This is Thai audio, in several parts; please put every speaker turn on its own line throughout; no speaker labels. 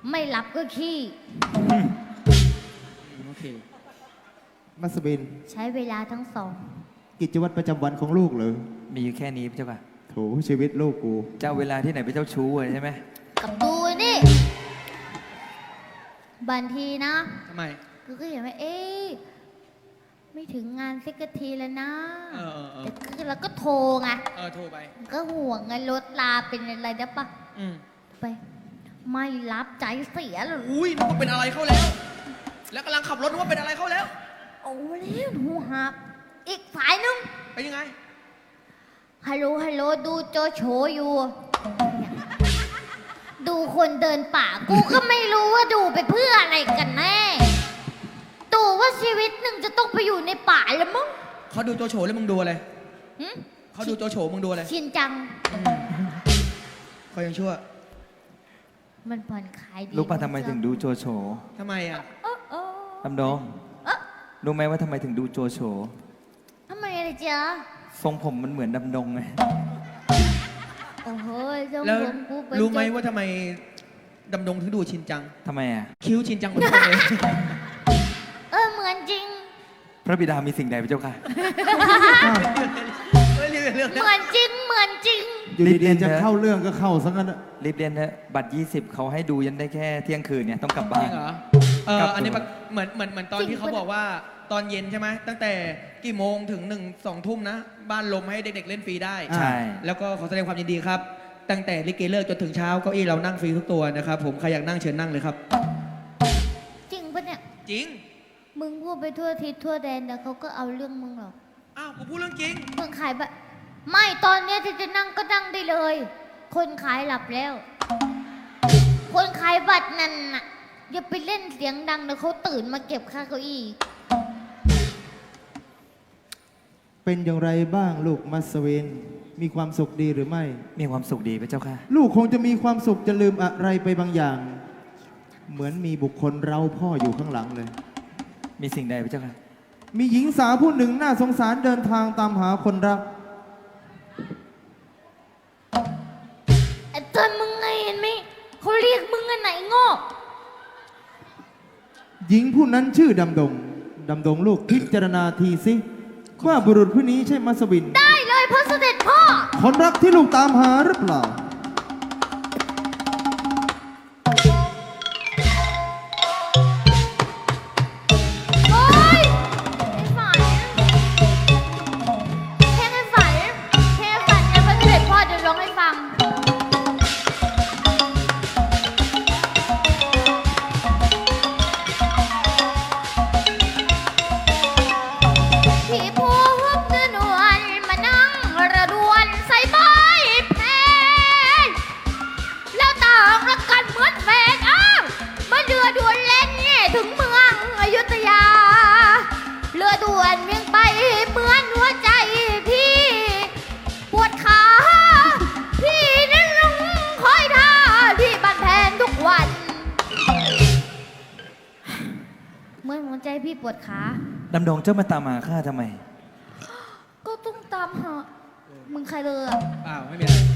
ไม่รับก็ขี้
โอเค
มัสบิน
ใช้เวลาทั้งสอง
กิจวัตรประจำวันของลูกเหรอ
มีอยู่แค่นี้พระเจ้าค่ะ
โถชีวิตลูกกู
เจ้าเวลาที่ไหนไปเจ้าชู้เลยใช่ไหม
กับดูนี่บางทีนะ
ทำไม
กูก็เห็นว่าไม่ถึงงานสักทีแล้วนะแต่คือเราก็โทรไง
โทรไป
ก็ห่วงไงรถลาเป็นอะไรได้ปะไปไม่รับใจเสียเลย
อุ้ยนึกว่าเป็นอะไรเข้าแล้วแล้วกำลังขับรถนึกว่าเป็นอะไรเข้าแล้ว
โอ้แล้วหูหักอีกสายนึง
เป็นยังไง
ฮัลโหลดูโจโฉอยู่ดูคนเดินป่ากูก็ไม่รู้ว่าดูไปเพื่ออะไรกันแน่ดูว่าชีวิตหนึ่งจะต้องไปอยู่ในป่าแล้วมั้ง
เขาดูโจโฉแล้วมึงดูอะไรเขาดูโจโฉมึงดูอะไร
ชินจัง
เขายังชั่ว
มันผ่อนคลายดี
รู้ป่ะทำไมถึงดูโจโฉ
ทำไมอ่ะ
ดำดงรู้ไหมว่าทำไมถึงดูโจโฉ
ทำไมอะไรจ๊ะ
ทรงผมมันเหมือนดำดงไง
โอ้โห
แล้วรู้ไหมว่าทำไมดำดงถึงดูชินจัง
ทำไมอ่ะ
คิ้วชินจังเหมือนกันเลย
เหมือนจริง
พระบิดามีสิ่งใดพระเจ้าค่ะ
เหมือนจริง
อยู่ดีๆจะเข้าเรื่องก็เข้าซะงั้น
รีบเรียนเถอะบัตร20เขาให้ดูยันได้แค่เที่ยงคืนเนี่ยต้องกลับบ้าน
เหรออันนี้เหมือนตอนที่เขาบอกว่าตอนเย็นใช่ไหมตั้งแต่กี่โมงถึง2 ทุ่มนะบ้านลมให้เด็กๆเล่นฟรีได้
ใช่
แล้วก็ขอแสดงความยินดีครับตั้งแต่ลิเกเลิกจนถึงเช้าเก้าอี้เรานั่งฟรีทุกตัวนะครับผมใครอยากนั่งเชิญนั่งเลยครับ
จริงปะเนี่ย
จริง
มึงพูดไปทั่วทิศทั่วแดนแต่เขาก็เอาเรื่องมึงหรอก
อ้าวกูพูดเรื่องจริง
มึงขายแบบไม่ตอนนี้ที่จะนั่งก็นั่งได้เลยคนขายหลับแล้วคนขายบัตรนั่นน่ะอย่าไปเล่นเสียงดังเดี๋ยวเขาตื่นมาเก็บค่าเก้าอี้
เป็นอย่างไรบ้างลูกมัสวินมีความสุขดีหรือไม่
มีความสุขดีพระเจ้าค่ะ
ลูกคงจะมีความสุขจะลืมอะไรไปบางอย่างเหมือนมีบุคคลเราพ่ออยู่ข้างหลังเลย
มีสิ่งใดพระเจ้าค่ะ
มีหญิงสาวผู้หนึ่งน่าสงสารเดินทางตามหาคนรัก
ไอ้ตอนมึงไงเห็นไหมเขาเรียกมึงอันไหนงอก
หญิงผู้นั้นชื่อดำดงลูกพิจารณาทีสิว่าบุรุษผู้นี้ใช่มัสวิน
ได้เลยพระเสด็จพ่อ
คนรักที่ลูกตามหาหรือเปล่า
พี่ปวดขา
ดำดงเจ้ามาตามหาข้าทำไม
ก็ต้องตามหามึงใครเลย
เปล่าไม่มีอะไร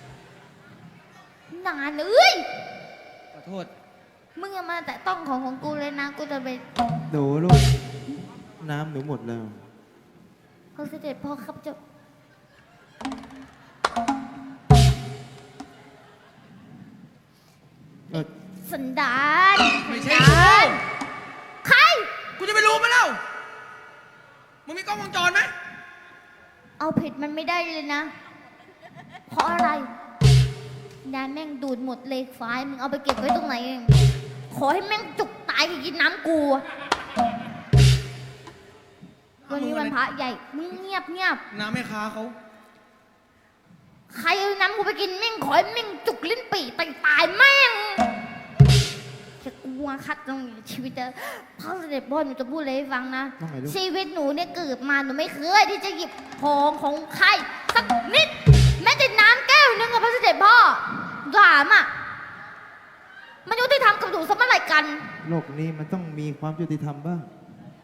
นานเลย
ขอโทษ
มึงอย่ามาแต่ต้องของกูเลยนะกูจะไป
โดลูกน้ำหนูหมดแล้ว
พระเสด็จพ่อครับเจ้าสันดาน
ไม่ใช่
ใคร
กูจะไปรู้ไหมเล่ามึงมีกล้องวงจรไหม
เอาผิดมันไม่ได้เลยนะเพราะอะไรยายแม่งดูดหมดเลยไฟมึงเอาไปเก็บไว้ตรงไหนเองขอให้แม่งจุกตายกินน้ำกูวันนี้วันพระใหญ่มึงเงียบ
น้ำแม่ค้าเขา
ใครเอาน้ำกูไปกินแม่งขอให้แม่งจุกลิ้นปี่ตายแม่งจะกลัวคัดตรงชีวิตจะพ่อเสด็จพ่อหนูจะพูดอะไรให้ฟังนะชีวิตหนูเนี่ยเกิดมาหนูไม่เคยที่จะหยิบของใครสักนิดแม้แต่น้ำแก้วนึงกับพระเสด็จพ่อถามอ่ะมันยุติธรรมกับหนูสมัยไหร่กัน
โลกนี้มันต้องมีความยุติธรรมบ้าง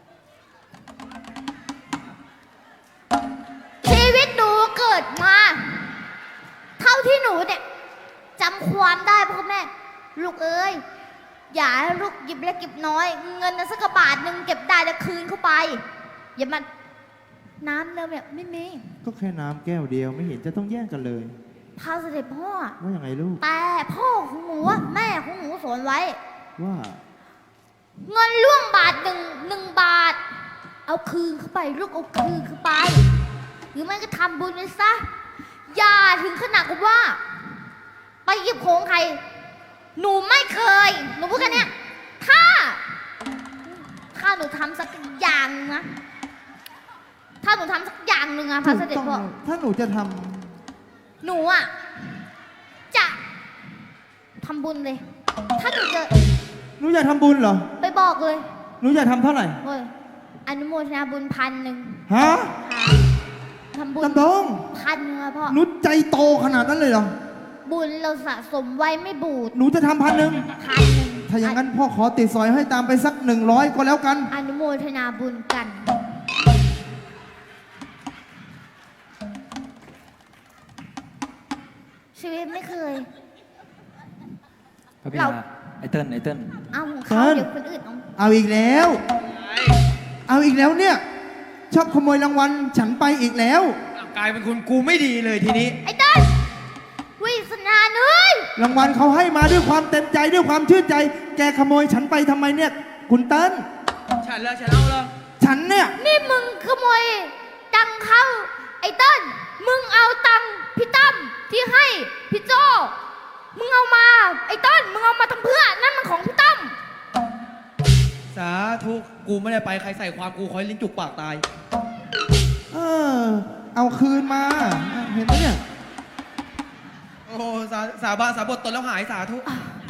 ชีวิตหนูเกิดมาเท่าที่หนูเนี่ยจำความได้พ่อแม่ลูกเอ้ยอย่าให้ลูกหยิบเล็กหยิบน้อย เงินนะสักกระบาทหนึ่งเก็บได้แล้วคืนเข้าไป อย่ามาน้ำเนี่ยแบบไม่มี
ก็แค่น้ำแก้วเดียวไม่เห็นจะต้องแย่งกันเลย
พาเสด็จพ่อ
ว่าอย่างไงลูก
แต่พ่อของหนูอะแม่ของหนูสอนไว้
ว่า
เงินล่วงบาทหนึ่งบาท เอาคืนเข้าไปลูกเอาคืนเข้าไป หรือไม่ก็ทำบุญเลยซะ อย่าถึงขนาดกับว่า ไปหยิบของใคร หนูไม่เคย หนูพูดแค่เนี้ยถ้าหนูทำสักอย่างนึงนะถ้าหนูทำสักอย่างหนึ่งอะพระเสด็จพ่อ
ถ้าหนูจะท
หนูอะจะทำบุญเลย ถ้าหนูจะ
ำหนูอยากทำบุญเหรอ
ไปบอกเลย
หนูอยากทำเท่าไหร่
เฮ้ยอนุโมทนาบุญ1,000
ฮะ
ทำบุญ
ลำดง
1,000อะพ่อ
หนูใจโตขนาดนั้นเลยเหรอ
บุญเราสะสมไว้ไม่บูด
หนูจะทำ1,000
1,000
ถ้าอย่างนั้นพ่อขอติดซอยให้ตามไปสัก100ก็แล้วกัน
อนุโมทนาบุญกัน ชีวิตไม่เคย
พระบิ
เรา
ดาไอเติ้ล
เอาของเขา
เติ้ล
เดี๋ยวคนอื่นเอา
เอาอีกแล้ว เอาอีกแล้วเนี่ย ชอบขโมยรางวัลฉันไปอีกแล้ว
กลายเป็นคนกูไม่ดีเลยทีนี้
ไอ้เต้นวิสนาเอ้ย
รางวัลเขาให้มาด้วยความเต็มใจด้วยความชื่นใจ แกขโมยฉันไปทำไมเนี่ย คุณเติ้ล
ฉันเอาเลย
ฉันเนี่ย
นี่มึงขโมยตังค์เขาไอ้เต้นมึงเอาตังค์พี่ตั้มที่ให้พี่โจมึงเอามาไอ้เต้นมึงเอามาทำเพื่อนั่นมันของพี่ตั้ม
สาธุกูไม่ได้ไปใครใส่ความกูคอยลิ้นจุกปากตาย
เออ เอาคืนมา เห็นไหมเนี่ย
โอ้สาบานสาบทตนแล้วหายสาธุ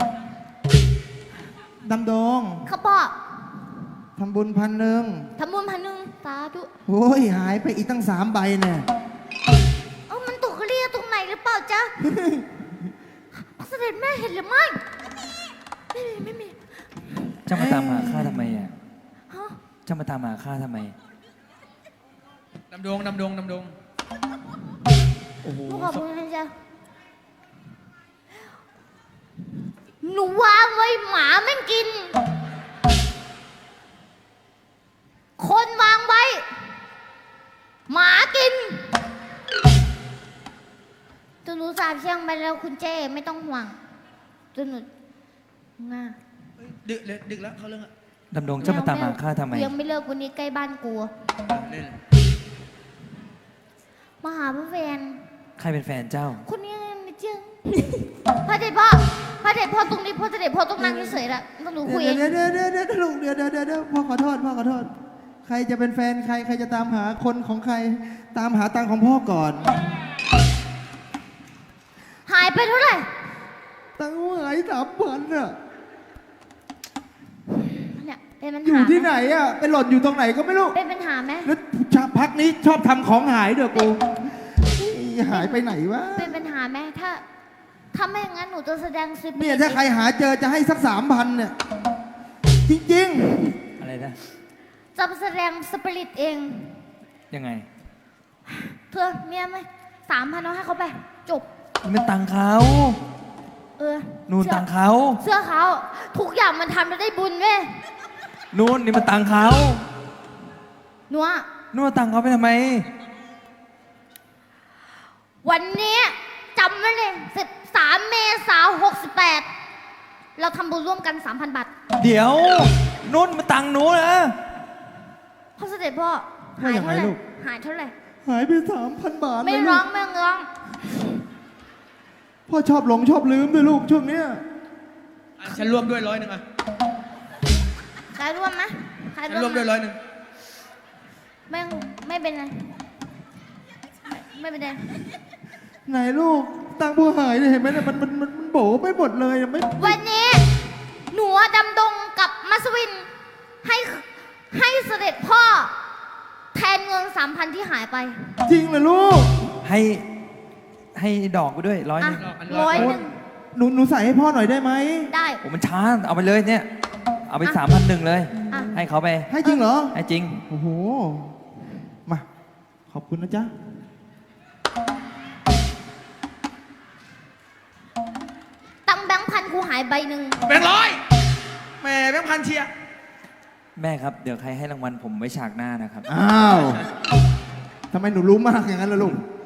ดำดง
เขาบอก
ทำบุญ1,000
ทำบุญ1,000สาธุ
โอ้ยหายไปอีกตั้ง3 ใบเนี่ย
เอ้ามันตกเรียตรงไหนหรือเปล่าจ๊ะ พระเสด็จแม่เห็นหรือไม่ไม่มี
เจ้ามาตามหาข้าทำไมอ่ะ
ฮะ
เจ้ามาตามหาข้าทำไม
ดำดง
โอ้โห
ลูกขอบคุณนะจ๊ะหนูวางไว้หมาแม่งกิน คนวางไว้ หมากินตัวหนูสาบแช่งไปแล้วคุณเจ้ไม่ต้องห่วงตัวหนูง่า
ดึกแล้วเขาเรื่องอะ
ดำดงเจ้ามาตามหาข้าทำไม
ยังไม่เลิกวันนี้ใกล้บ้านกู
เล่น
มาหาพระแฟน
ใครเป็นแฟนเจ้า
คนนี้นี่จึง พระเดชพ่อพระเดชพ่อตรงนี้พระเดชพ่อต้องนั่งเฉยๆละต้องหนูคุยเอง
เดี๋ยวลูกเดี๋ยวพ่อขอโทษพ่อขอโทษ ใครจะเป็นแฟนใครจะตามหาคนของใคร ตามหาตังของพ่อก่อน
หายไปเท่าไหร่
ตังหาย3,000อ่ะ
เนี่ยเป็นปัญ
อยู่
หา
ที่ไหนอ่ะไปหล่นอยู่ตรงไหนก็ไม่รู้
เป็นปัญหาไหม
แล้วพักนี้ชอบทำของหายเด้อกูหายไปไหนวะ
เป็นปัญหาไหมถ้าไม่อย่างนั้นหนูจะแสดงซิป
เนี่ยถ้าใครหาเจอจะให้สัก3,000เนี่ย จริง
อะไรนะ
จะแสดงสปิริตเอง
ยังไง
เธอเมียไหม3,000เอาให้เขาไป จบ
มันตังเขา
เออ
นู่นตังเขา
เสื้อเขาทุกอย่างมันทำแล้วได้บุญเว้ย
นู่นนี่มันตังเขา
หนูอะ
นู่นตังเขาไปทำไม
วันนี้จำไว้เลย13 เมษายน 68เราทำบุญร่วมกัน 3,000 บาท
เดี๋ยวนู่นมันตังหนูนะ
พ่อเสด็จพ่อ
พ่ออย่างไรลูก
หายเท่าไหร่
ๆ หายไป3,000 บาท
ไม่
เลย
ร้
ลู
อง
ก
ไม่ร้อง
พ่อชอบหลงชอบลืมด้วยลูกช่วงเนี้ย
อ่ะฉันร่วมด้วย100อ่ะ
ใครร่วมไหมใคร
ฉันร่วมด้วย100
ไม่เป็นไรไม่เป็นไร
ไหนลูกตังผู้หายเนี่ยเห็นไหมเนี่ยมันโบไปหมดเลยอะไม่
วันนี้หนูดำดงกับมัสวินให้เสด็จพ่อ แทนเงิน 3,000 ที่หายไป
จริงเหรอลูก
ให้ดอกไปด้วย100
อ่ะ
นึง
100
หนูใส่ให้พ่อหน่อยได้ไหม
ได้
โอ้มันช้าเอาไปเลยเนี่ย เอาไป
อ่ะ
3,100เลย
อ่ะ
ให้เขาไป
ให้จริงเหรอ
ให้จริง
โอ้โห มา ขอบคุณนะจ๊ะ
ตังค์แบงค์พันกูหายใบหนึ่ง
แบงค์ร้อยคัญเชียร์
แม่ครับ เดี๋ยวใครให้รางวัลผมไว้ฉากหน้านะครับ
อ้าวทำไมหนูรู้มากอย่างนั้นล่ะลูก